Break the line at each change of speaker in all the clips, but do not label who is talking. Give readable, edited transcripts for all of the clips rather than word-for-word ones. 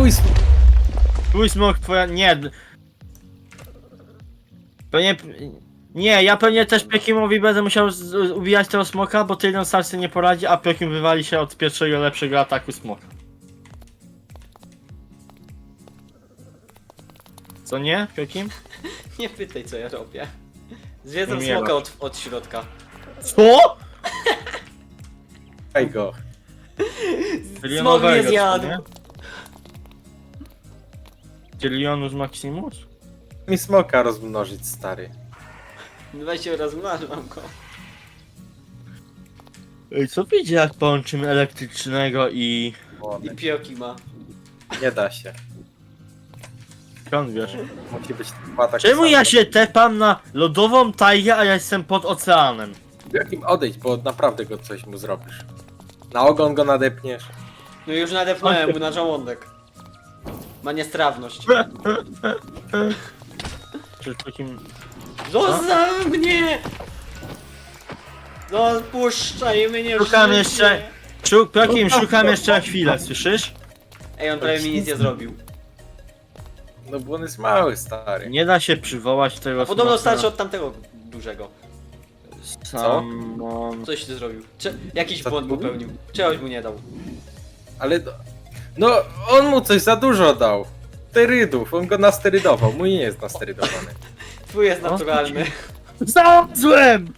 Twój smok, twoja... Nie. Pewnie... Nie, ja pewnie też Piokimowi będę musiał ubijać tego smoka, bo Tyrion sam sobie nie poradzi, a Piokim wywali się od pierwszego lepszego ataku smoka. Co nie, Piokim?
Nie pytaj co ja robię. Zwiedzam
Umierasz.
smoka od środka.
Co?
Daj go.
Smok mnie zjadł.
Tyrionus Maximus?
Mi smoka rozmnożyć, stary.
Weź się rozmnażam go.
Ej, co wiecie jak połączymy elektrycznego i...
I pioki ma.
Nie da się.
Skąd wiesz?
Musi być dwa takie
Czemu
same.
ja się tepam na lodową tajgę, a ja jestem pod oceanem?
Jakim odejdź, bo naprawdę go coś mu zrobisz. Na ogon go nadepniesz.
No już nadepnąłem mu na żołądek. Ma niestrawność.
Czy takim...
Zostaw mnie! No puszczaj mnie.
Szukam
życie.
jeszcze... Piokim, szukam jeszcze na chwilę, słyszysz?
Ej, on prawie mi nic nie zrobił.
No bo on jest mały, stary.
Nie da się przywołać tego
Podobno
smoka.
starszy od tamtego dużego.
Samon...
Coś ty zrobił. Jakiś
Co
błąd
ty mówisz?
popełnił. Czegoś mu nie dał.
Ale... No, on mu coś za dużo dał. Sterydów, on go nasterydował. Mój nie jest nasterydowany.
Twój jest naturalny.
Znalazłem!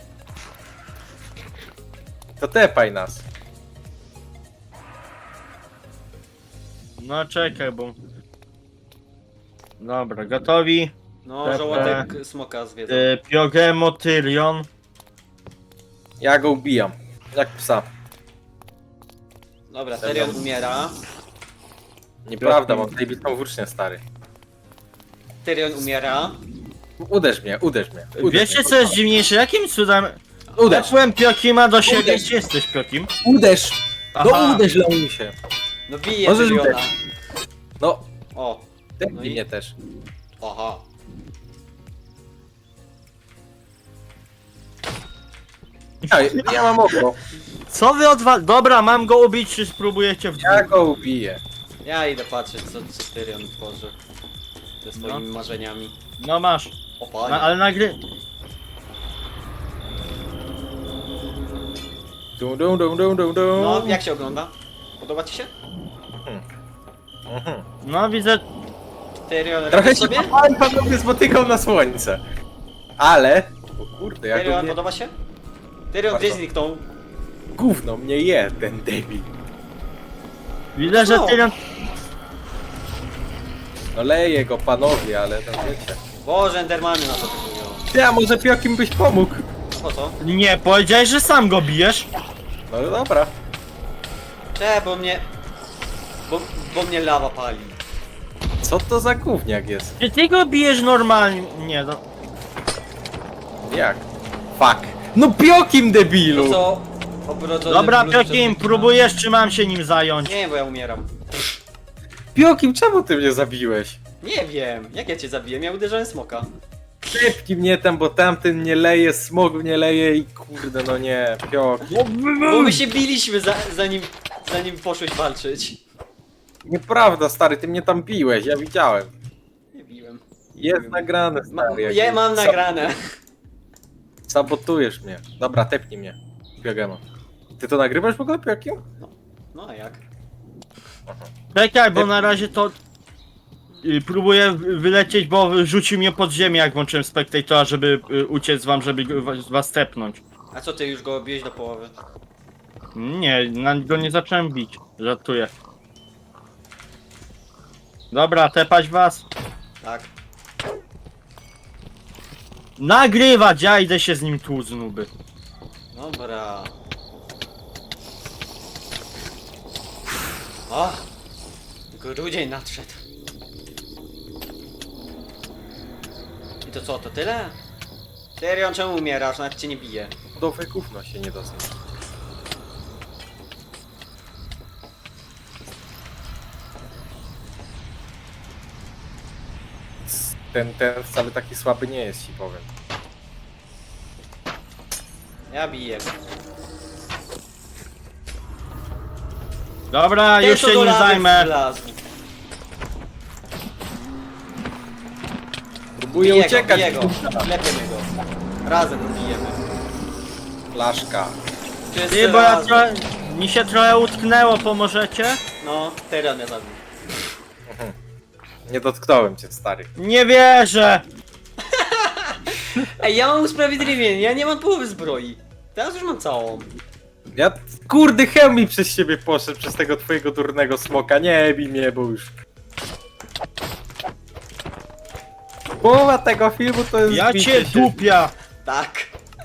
To tepaj nas.
No czekaj, bo... Dobra, gotowi?
No, żołądek smoka zwiedza.
Piogemo, Tyrion.
Ja go ubijam. Jak psa.
Dobra, Tyrion umiera.
Nieprawda, mam tutaj bitą włócznię, stary.
Tyrion umiera.
Uderz mnie, uderz mnie.
Wiecie co jest dziwniejsze? Jakim cudem...
Uderz!
Tepłem Piokima do siebie.
Uderz.
Gdzie jesteś, Piokim?
Uderz!
Aha.
No uderz, Leonisie.
No bije
Możesz
Tyriona.
uderzyć. No,
O,
tepnij
No i-
mnie też.
aha.
Ja mam oko.
Co wy Dobra, mam go ubić, czy spróbujecie w
Ja go ubiję.
Ja idę patrzeć co Tyrion tworzy. Ze swoimi marzeniami.
No masz.
O panie.
Ale nagry...
Dum, dum, dum, dum, dum, dum.
No, jak się ogląda? Podoba ci się?
Mhm.
No widzę...
Tyrion
Trochę
robi
się
sobie?
pan panowie spotykał na słońce. Ale... O kurde, jak
Tyrion
mnie...
podoba się? Tyrion
Bardzo.
gdzieś zniknął.
Gówno mnie je, ten debil.
Widzę, że
Co?
Tyrion...
No leje go panowie, ale no wiecie.
Boże, Endermany na to wyglądają.
Ty, a może Piokim byś pomógł?
Po co?
Nie, powiedziałeś, że sam go bijesz.
No dobra.
Bo mnie... Bo mnie lawa pali.
Co to za gówniak jest?
Czy ty go bijesz normalnie? Nie, no...
Jak? Fuck. No Piokim, debilu!
To co? Obrodzony
Dobra,
blues
Piokim,
przez-
próbujesz, czy mam się nim zająć?
Nie, bo ja umieram.
Piokim, czemu ty mnie zabiłeś?
Nie wiem, jak ja cię zabiłem? Ja uderzałem smoka.
Szybki mnie tam, bo tamten nie leje, smog mnie leje i kurde, no nie, Piokim.
Bo my się biliśmy zanim poszłeś walczyć.
Nieprawda, stary, ty mnie tam biłeś, ja widziałem.
Nie biłem.
Jest nagrane, stary. jak-
Ja mam nagrane.
Sabotujesz mnie. Dobra, tepnij mnie. Piogemo. Ty to nagrywasz w ogóle, Piokim?
No a jak?
Czekaj, bo na razie to... Próbuję wylecieć, bo rzucił mnie pod ziemię, jak włączyłem Spectatora, żeby uciec wam, żeby was tepnąć.
A co, ty już go biłeś do połowy?
Nie, na go nie zacząłem bić. Żartuję. Dobra, tepać was.
Tak.
Nagrywać, ja idę się z nim tłuc, nuby.
Dobra. O! Grudzień nadszedł. I to co, to tyle? Tyrion, czemu umierasz? Nawet cię nie bije.
Do gówno się nie dosyć. Ten wcale taki słaby nie jest, ci powiem.
Ja biję.
Dobra,
Ten,
już
co
się
do
nim
lawy
zajmę.
wlazł.
Próbuję
Bije
uciekać.
go, klepiemy go. Razem go bijemy.
Flaszka.
Wszyscy
Ty, bo ja
razem.
mi się trochę utknęło, pomożecie?
No, Tyrion mnie zabił.
Nie dotknąłem cię, stary.
Nie wierzę!
Ej, ja mam usprawiedliwienie, ja nie mam połowy zbroi. Teraz już mam całą.
Ja, kurde, hełm mi przez siebie poszedł, przez tego twojego durnego smoka. Nie bij mnie, bo już... Połowa tego filmu to jest
Ja
bicie
cię
się.
dupia!
Tak.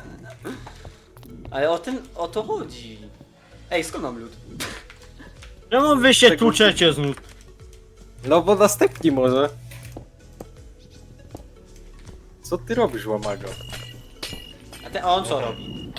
Ale o to chodzi. Ej, skąd mam lód?
Czemu wy się
Tego-
tłuczecie znów?
No bo następni może. Co ty robisz, łamago?
A on co robi?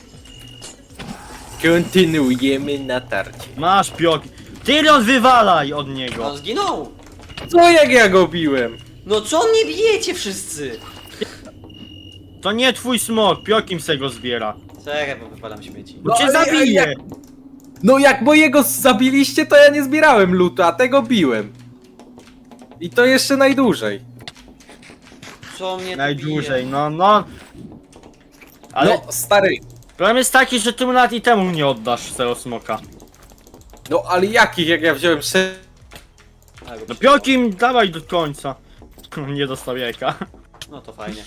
Kontynuujemy natarcie.
Masz pioki. Tyrion, wywalaj od niego!
On zginął!
Co jak ja go biłem?
No co mnie bijecie wszyscy?
To nie twój smok, piokim se go zbiera.
Czekaj, bo wypalam śmieci.
Bo
No
cię
ale
zabije!
No jak mojego zabiliście, to ja nie zbierałem lutu, a tego biłem. I to jeszcze najdłużej.
Co mnie tu
Najdłużej,
bije?
no. Ale
No, stary.
problem jest taki, że ty mu nawet i temu nie oddasz tego smoka.
No ale jakich, jak ja wziąłem
A, go
No
przyjęło.
piokim, dawaj do końca. Nie dostał jajka.
No to fajnie.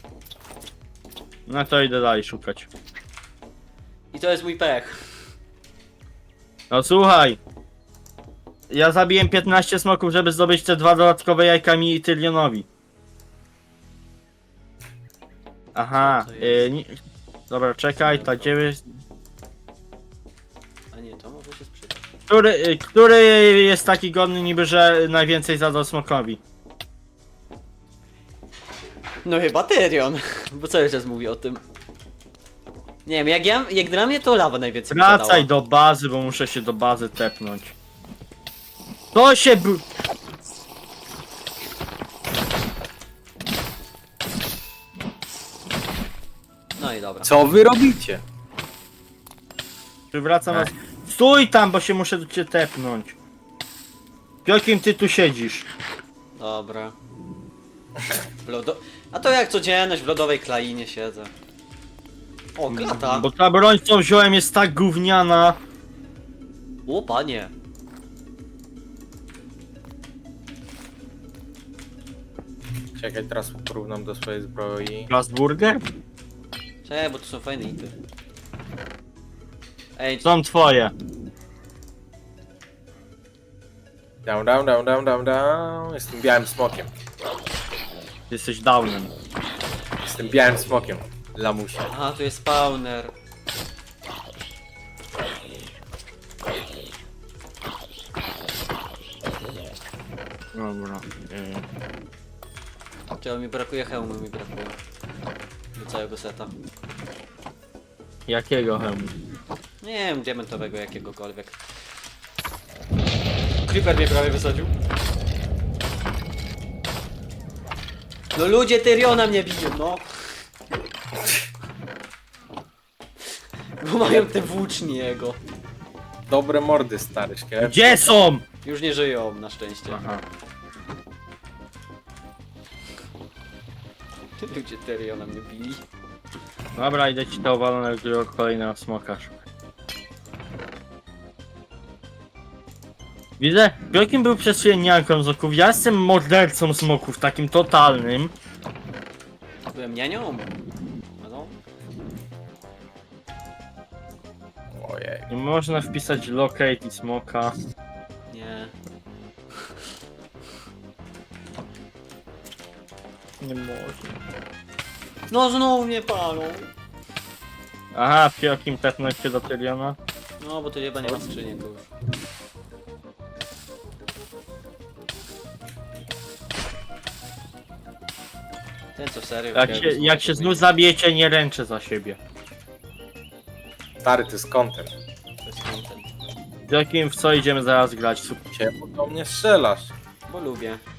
No to idę dalej szukać.
I to jest mój pech.
No słuchaj. Ja zabiłem 15 smoków, żeby zdobyć te 2 dodatkowe jajka mi i Tyrionowi. Aha,
Co to jest?
dobra, czekaj, ta gdzie jest...
A nie, to może się sprzedać.
Który jest taki godny niby, że najwięcej zadał smokowi?
No chyba Tyrion. Bo cały czas mówi o tym. Nie wiem, jak dla mnie to lawa najwięcej mi
Wracaj
zadała.
do bazy, bo muszę się do bazy tepnąć. To się
No i dobra.
Co wy robicie?
Wracam na... Stój tam, bo się muszę do ciebie tepnąć. Piokim, ty tu siedzisz.
Dobra. A to jak codzienność w lodowej klainie siedzę. O, klata!
Bo ta broń, co wziąłem, jest tak gówniana.
O, panie!
Czekaj, teraz porównam do swojej zbroi.
Glasburger?
Cześć, bo to są fajne ity. Ej,
Są twoje.
Down. Jestem białym smokiem.
Jesteś downem.
Jestem białym smokiem. Lamusia.
aha, tu jest spawner.
Dobra.
Czego mi brakuje hełmu, mi brakuje. Do całego seta.
Jakiego hełmu?
Nie wiem, diamentowego jakiegokolwiek. Creeper mnie prawie wysadził. No ludzie Tyriona mnie biją, no. Bo mają te włócznie jego.
Dobre mordy, stary szkielet.
Gdzie są?
Już nie żyją, na szczęście.
Aha.
Ludzie Tyriona mnie bili.
Dobra, idę ci to owalonego kolejnego smokarz. Widzę, Piokim był przez chwilę nianką z oków, ja jestem mordercą smoków, takim totalnym.
Byłem nianią. No.
Ojej.
Nie można wpisać locate i smoka.
Nie.
Nie można.
No znowu mnie palą.
Aha, Piokim tepnąć się do Tyriona.
No bo tu chyba nie ma skrzyniek już. Ten co serio.
Jak się znów zabijecie, nie ręczę za siebie.
Stary, to jest content.
To jest content.
Piokim, w co idziemy zaraz grać? Super.
Czemu do mnie strzelasz?
Bo lubię.